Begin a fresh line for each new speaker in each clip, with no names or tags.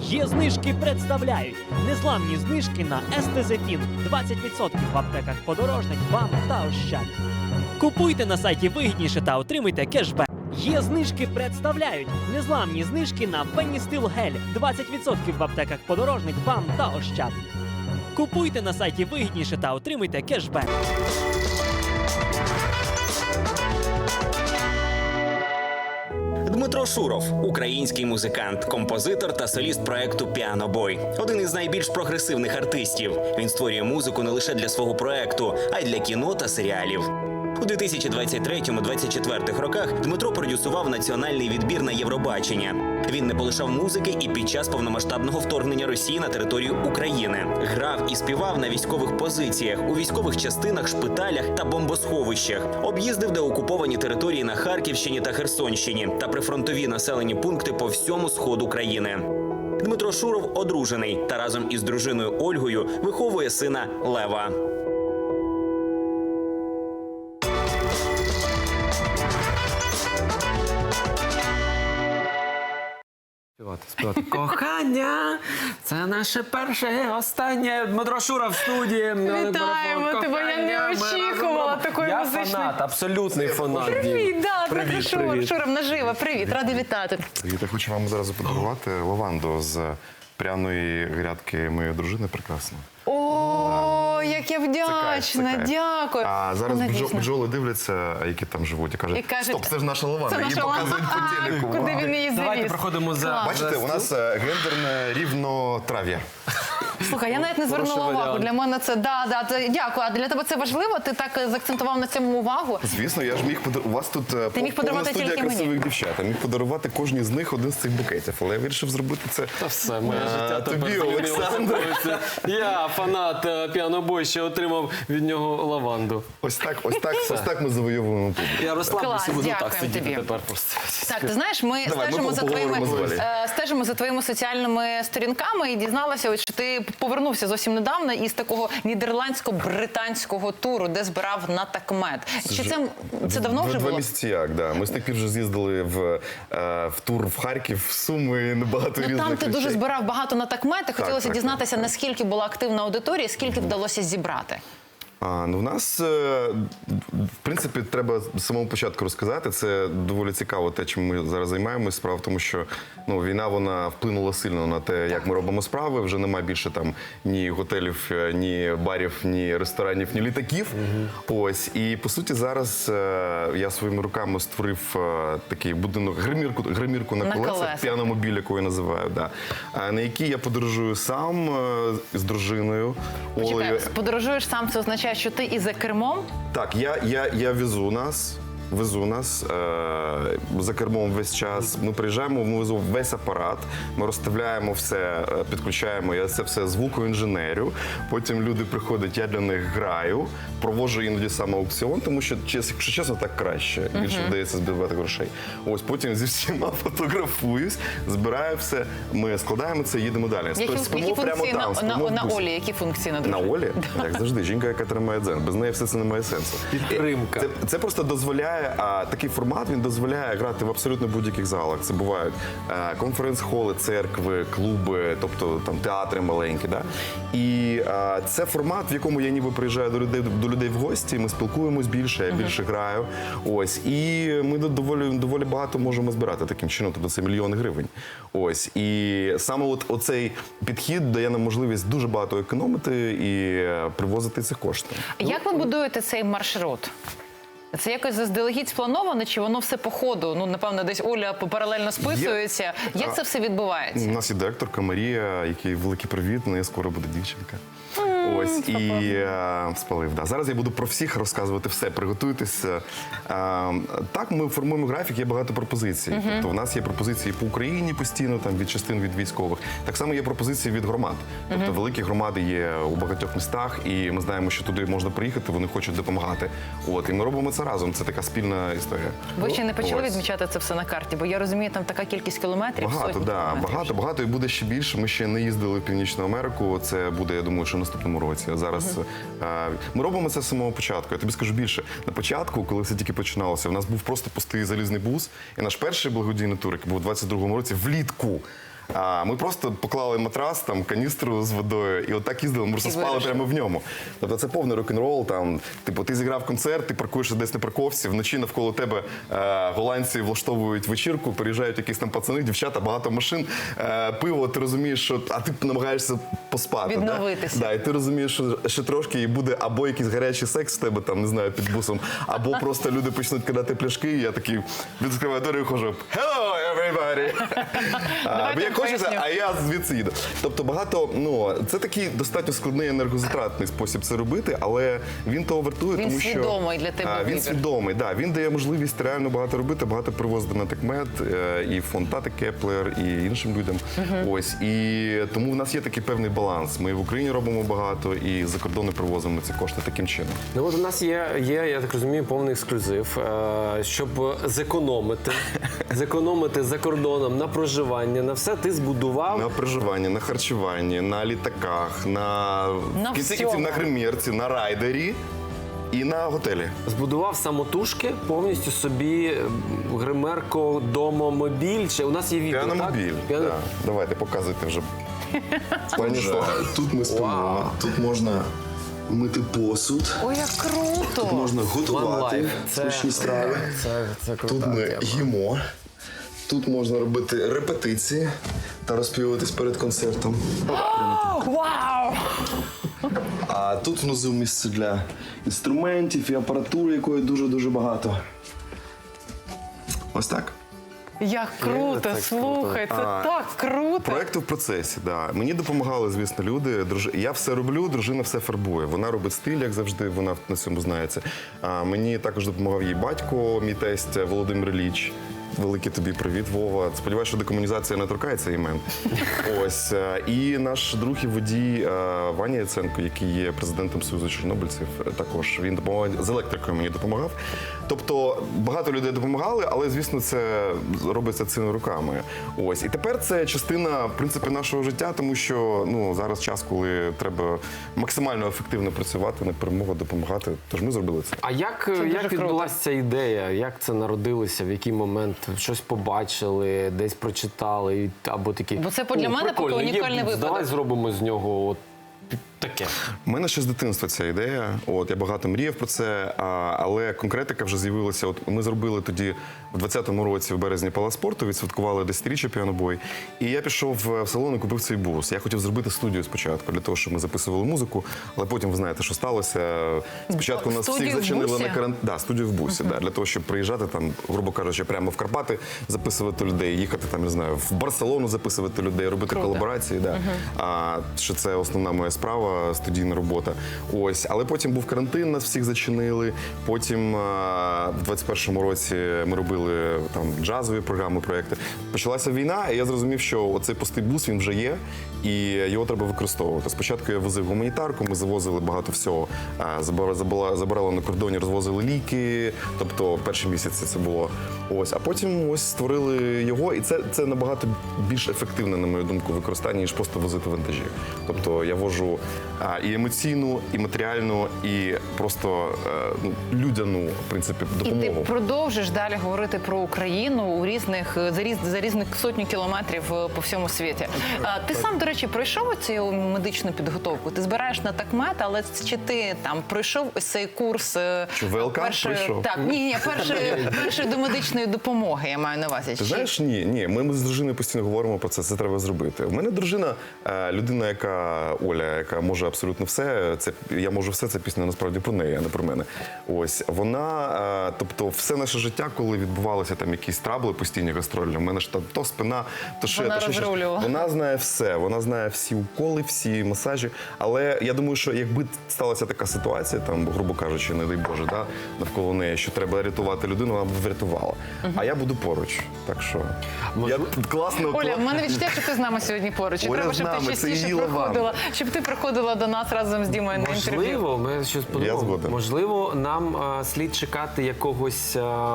Є знижки представляють незламні знижки на Естезефін. 20% в аптеках «Подорожник», «БАМ» та «Ощад». Купуйте на сайті вигідніше та отримуйте кешбек. Є знижки представляють незламні знижки на Феністил Гель. 20% в аптеках «Подорожник», «БАМ» та «Ощад». Купуйте на сайті вигідніше та отримуйте кешбек.
Дмитро Шуров – український музикант, композитор та соліст проекту «Піанобой». Один із найбільш прогресивних артистів. Він створює музику не лише для свого проекту, а й для кіно та серіалів. У 2023-2024 роках Дмитро продюсував національний відбір на Євробачення. Він не полишав музики і під час повномасштабного вторгнення Росії на територію України. Грав і співав на військових позиціях, у військових частинах, шпиталях та бомбосховищах. Об'їздив деокуповані території на Харківщині та Херсонщині та прифронтові населені пункти по всьому сходу країни. Дмитро Шуров одружений та разом із дружиною Ольгою виховує сина Лева.
Співати. Кохання, це наше перше і останнє. Дмитро Шуров в студії.
Вітаємо тебе, я не очікувала такої музичної.
Я фанат, абсолютний фанат.
Привіт, да, Дмитро Шуров.
Привіт.
Шуров наживо, привіт, ради вітати.
Я хочу вам зараз подарувати лаванду з пряної грядки моєї дружини. Прекрасно.
О, як я вдячна,
кайф.
дякую.
А зараз
Вона дійсно.
бджоли дивляться, які там живуть, і кажуть, стоп, це ж наша лаванда,
Це
її
наша
показують
лаванда.
по телеку.
Куди він її
Давайте
завіз?
проходимо за...
Бачите, у нас гендерне рівнотрав'я.
Слухай, я навіть не звернула
Хороший
увагу.
варіант.
Для мене це, дякую. А для тебе це важливо? Ти так заакцентував на цьому увагу?
Звісно, я ж міг подарувати, у вас тут
міг
повна
подарувати
студія
тільки мені.
красивих дівчат. Я міг подарувати кожній з них один з цих букетів, але я вирішив зробити це
Та все, моє життя
тобі,
тепер змінилося
Олександр.
повністю. Я фанат «Піанобой», ще отримав від нього лаванду.
Ось так ми завойовуємо публіку.
Я розслаблюся,
Клас,
буду так
дякуємо
сидіти
тобі.
тепер просто.
Так, ти знаєш, ми
Давай,
стежимо
ми
за
поговоримо з Валею.
стежимо за твоїми соціальними сторінками і дізналася, що ти повернувся зовсім недавно із такого нідерландсько-британського туру, де збирав на такмет. Чи це давно вже
Два
було?
місяці як, да. Ми з тих пір вже з'їздили в тур в Харків, в Суми, багато різних
Там ти дуже
речей.
збирав багато на такмети. Хотілося
так,
дізнатися,
так.
наскільки була активна аудиторія, скільки вдалося зібрати.
Ну, в нас, в принципі, треба з самого початку розказати. Це доволі цікаво, те, чим ми зараз займаємося. Справа в тому, що війна, вона вплинула сильно на те, як ми робимо справи. Вже немає більше там ні готелів, ні барів, ні ресторанів, ні літаків. Ось. І, по суті, зараз я своїми руками створив такий будинок, гримірку на колесах, піаномобіль, яку я називаю, да, на якій я подорожую сам з дружиною Олею.
Почекай, подорожуєш сам, це означає, що ти і за кермом?
Так, я везу нас за кермом весь час. Ми приїжджаємо, ми веземо весь апарат, ми розставляємо все, підключаємо, я це все звукоінженерю. Потім люди приходять, я для них граю, проводжу іноді саме аукціон, тому що, якщо чесно, так краще. Більше вдається збивати грошей. Ось потім зі всіма фотографуюсь, збираю все, ми складаємо це і їдемо далі.
Які функції на Олі? Які функції на дружині?
На Олі? Як завжди, жінка, яка тримає дзен. Без неї все це не має сенсу.
Підтримка.
Це просто дозволяє, такий формат, він дозволяє грати в абсолютно будь-яких залах. Це бувають конференц-холи, церкви, клуби, тобто там театри маленькі. Да? І це формат, в якому я ніби приїжджаю до людей в гості, ми спілкуємось більше, я більше граю. Ось. І ми доволі багато можемо збирати таким чином, тобто це мільйони гривень. Ось. І саме оцей підхід дає нам можливість дуже багато економити і привозити ці кошти.
Як ви будуєте цей маршрут? Це якось заздалегідь сплановано, чи воно все по ходу? Ну, напевно, десь Оля паралельно списується. Як це все відбувається?
У нас є директорка Марія, який великий привіт, у неї скоро буде дівчинка. Ось, і спалив. Да. Зараз я буду про всіх розказувати все, приготуйтесь. Так, ми формуємо графік, є багато пропозицій. Тобто в нас є пропозиції по Україні постійно, там, від частин, від військових. Так само є пропозиції від громад. Тобто великі громади є у багатьох містах, і ми знаємо, що туди можна приїхати, вони хочуть допомагати. От, і ми робимо це разом, це така спільна історія.
Ви ще не почали
Ось.
відмічати це все на карті, бо я розумію, там така кількість кілометрів,
Багато,
сотні
да,
кілометрів.
багато і буде ще більше. Ми ще не їздили в Північну Америку. Це буде, я думаю, що в наступному році. Зараз ми робимо це з самого початку. Я тобі скажу більше. На початку, коли все тільки починалося, в нас був просто пустий залізний бус. І наш перший благодійний тур, який був у 22-му році, влітку. А ми просто поклали матрас, там, каністру з водою, і отак їздили, ми просто спали прямо в ньому. Тобто це повний рок-н-рол, там, типу, ти зіграв концерт, ти паркуєшся десь на парковці, вночі навколо тебе голландці влаштовують вечірку, приїжджають якісь там пацани, дівчата, багато машин, пиво, ти розумієш, що, а ти намагаєшся поспати.
Відновитися.
Да? Да, і ти розумієш, що ще трошки і буде або якийсь гарячий секс в тебе, там, не знаю, під бусом, або просто люди почнуть кидати пляшки, і я такий відкриваю двері і хожу «Hello, everybody!» Бо як хочеться, а я звідси їду. Тобто багато, ну, це такий достатньо складний енергозатратний спосіб це робити, але він того вартує,
Він
тому що...
свідомий для тебе
Він
вибір.
свідомий, да. Він дає можливість реально багато робити, багато привозити на такмет, і фонд Тати Кеплер, і іншим людям. Ось. І тому в нас є такий певний баланс. Ми в Україні робимо багато, і за кордони привозимо ці кошти таким чином.
Ну от у нас є, я так розумію, повний ексклюзив, щоб зекономити за кордоном на проживання, на все ти збудував.
На проживанні, на харчуванні, на літаках, в кінці кінців
всьому.
на гримерці, на райдері і на готелі.
Збудував самотужки повністю собі гримерку, домомобіль. Чи у нас є відео,
Піаномобіль.
так?
Да. Давайте, показуйте вже.
Отже, тут ми спимо,
Вау.
тут можна мити посуд,
Ой, як круто!
тут можна готувати
One life.
смачні страви.
Це крута
Тут ми
тема.
їмо, тут можна робити репетиції та розпівуватись перед концертом.
Вау!
А тут внизу місце для інструментів і апаратури, якої дуже-дуже багато. Ось так.
Як круто,
це
слухай, це
А,
так круто.
Проекти в процесі, да. Мені допомагали, звісно, люди. Я все роблю, дружина все фарбує. Вона робить стиль, як завжди, вона на цьому знається. А мені також допомагав її батько, мій тесть Володимир Ілліч. Великий тобі привіт, Вова. Сподіваюся, що декомунізація не торкається імен. Ось. І наш друг і водій Ваня Яценко, який є президентом Союзу чорнобильців, також він допомагав, з електрикою мені допомагав. Тобто багато людей допомагали, але, звісно, це робиться цими руками. Ось. І тепер це частина, в принципі, нашого життя, тому що ну, зараз час, коли треба максимально ефективно працювати на перемогу, допомагати. Тож ми зробили це.
А як
дуже круто.
відбулася ця ідея? Як це народилося? В який момент? Щось побачили, десь прочитали, або такі.
Бо це для
«О,
мене
прикольно,
поки
є,
унікальний випадок».
Давай зробимо з нього от таке.
У мене ще з дитинства ця ідея. От я багато мріяв про це, але конкретика вже з'явилася. От ми зробили тоді в 20-му році в березні Палац спорту, відсвяткували 10-річчя піанобой. І я пішов в салон і купив цей бус. Я хотів зробити студію спочатку для того, щоб ми записували музику, але потім ви знаєте, що сталося. Спочатку нас
Студію
всіх
в
зачинили
бусі?
на карантин. Да, студію в бусі, да, для того, щоб приїжджати там, грубо кажучи, прямо в Карпати, записувати людей, їхати там, не знаю, в Барселону записувати людей, робити
Круто.
колаборації. Да. Що це основна моя справа, студійна робота. Ось, але потім був карантин, нас всіх зачинили. Потім в 21-му році ми робили там джазові програми, проекти. Почалася війна, і я зрозумів, що оцей пустий бус він вже є, і його треба використовувати. Спочатку я возив гуманітарку, ми завозили багато всього. Забирали на кордоні, розвозили ліки. Тобто перші місяці це було. Ось, а потім ось створили його, і це набагато більш ефективне, на мою думку, використання, ніж просто возити вантажі. Тобто я вожу і емоційну, і матеріальну, і просто людяну, в принципі,
І ти
допомогу.
продовжиш далі говорити про Україну у за різних сотні кілометрів по всьому світі. Ти сам, до речі, пройшов цю медичну підготовку? Ти збираєш на такмет, але чи ти там пройшов ось цей курс?
Чи ВЛК пройшов?
Так, ні, перший до медичної допомоги, я маю на увазі.
Ти знаєш, ні. Ми з дружиною постійно говоримо про це треба зробити. У мене дружина, людина, Оля, яка може абсолютно все. Я можу все, це пісня насправді про неї, а не про мене. Ось, вона, тобто все наше життя, коли відбувалися там якісь трабли постійні гастрольні, у мене ж там то спина, то шия,
Вона
то ще щось.
розрулювала.
Вона знає все, вона знає всі уколи, всі масажі. Але я думаю, що якби сталася така ситуація, там, грубо кажучи, не дай Боже, да, навколо неї, що треба рятувати людину, вона б врятувала. А я буду поруч. Так що я класно.
Оля, в мене відчуття, що ти з нами сьогодні поруч. І
Оля
треба,
з
щоб ти
нами, це
частіше
її лаван.
приходила, щоб ти приходила до нас разом з Дімою на інтерв'ю.
Можливо, ми щось
Я
подумали.
згоден.
Можливо, нам слід чекати якогось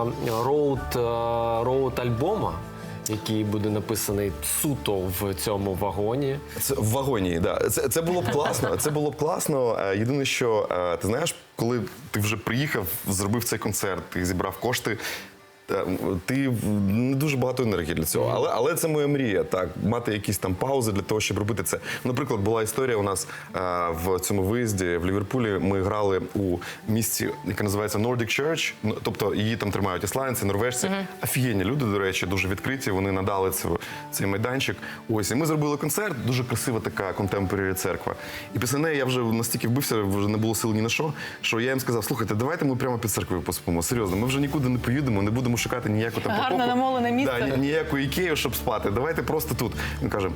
роуд-альбома, який буде написаний суто в цьому вагоні.
Це в вагоні, да. Це було б класно. Це було б класно. Єдине, що ти знаєш, коли ти вже приїхав, зробив цей концерт, ти зібрав кошти. ти не дуже багато енергії для цього. Але це моя мрія, так, мати якісь там паузи для того, щоб робити це. Наприклад, була історія у нас в цьому виїзді в Ліверпулі. Ми грали у місті, яке називається Nordic Church. Ну, тобто її там тримають ісландці, норвежці. Офігенні люди, до речі, дуже відкриті. Вони надали цей майданчик. Ось, і ми зробили концерт. Дуже красива така контемпорарі церква. І після неї я вже настільки вбився, вже не було сил ні на що я їм сказав: слухайте, давайте ми прямо під церквою поспимо. Серйозно, ми вже нікуди не поїдемо, не будемо шукати ніяку там
Гарно
покопу.
намолене місце.
Да, ніяку ікею, щоб спати. Давайте просто тут. Він каже: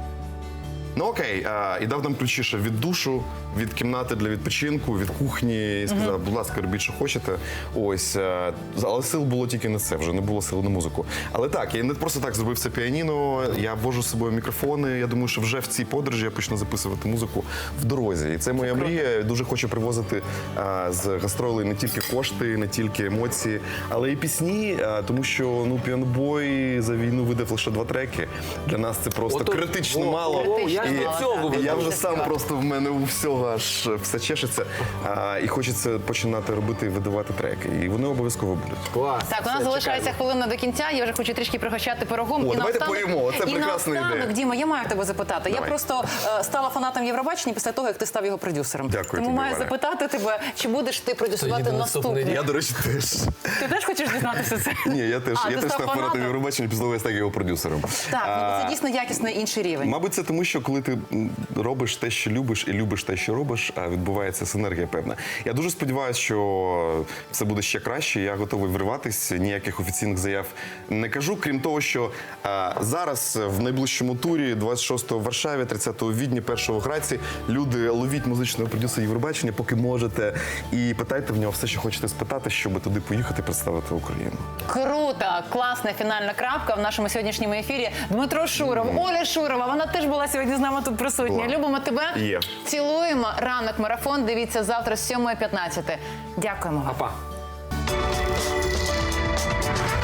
ну окей, і дав нам ключі ще від душу, від кімнати для відпочинку, від кухні. І сказав, будь ласка, робіть, що хочете. Ось, але сил було тільки на це, вже не було сил на музику. Але так, я не просто так зробив це піаніно, я вожу з собою мікрофони. Я думаю, що вже в цій подорожі я почну записувати музику в дорозі. І це моя мрія. Я дуже хочу привозити з гастролей не тільки кошти, не тільки емоції, але і пісні, тому що ну, Піанобой за війну видав лише 2 треки. Для нас це просто критично мало. Я вже сам просто в мене у всього аж все чешеться. І хочеться починати робити і видавати треки. І вони обов'язково будуть.
Клас.
Так, у нас залишається хвилина до кінця. Я вже хочу трішки пригощати пирогом.
О, давайте
наостанок-
поїмо. Це
і
прекрасна
наостанок,
ідея.
Діма, я маю тебе запитати. Я
Давай.
просто стала фанатом Євробачення після того, як ти став його продюсером.
Дякую
Тому
тобі,
маю
Валя.
запитати тебе, чи будеш ти продюсувати
Тоді наступний
наступний?
Я, до речі, теж.
Ти теж хочеш дізнатися це?
Ні, я теж
А, ти став
став фанатом
фанатом?
Євробачення, після того я став його продюсером.
Так, ну, це дійсно якісний інший рівень.
Мабуть, це тому, що коли ти робиш те, що любиш, і любиш те, що робиш, відбувається синергія певна. Я дуже сподіваюся, що це буде ще краще. Я готовий вриватись, ніяких офіційних заяв не кажу. Крім того, що зараз в найближчому турі, 26-го в Варшаві, 30-го в Відні, 1-го в Граці, люди, ловіть музичного продюсера Євробачення, поки можете, і питайте в нього все, що хочете спитати, щоб туди поїхати і представити Україну.
Круто! Класна фінальна крапка в нашому сьогоднішньому ефірі. Дмитро Шуров, Оля Шурова, вона теж була сьогодні з нами тут присутня.
Була.
Любимо тебе.
Є.
Цілуємо. Ранок марафон. Дивіться завтра з 7:15. Дякуємо вам.
Па-па.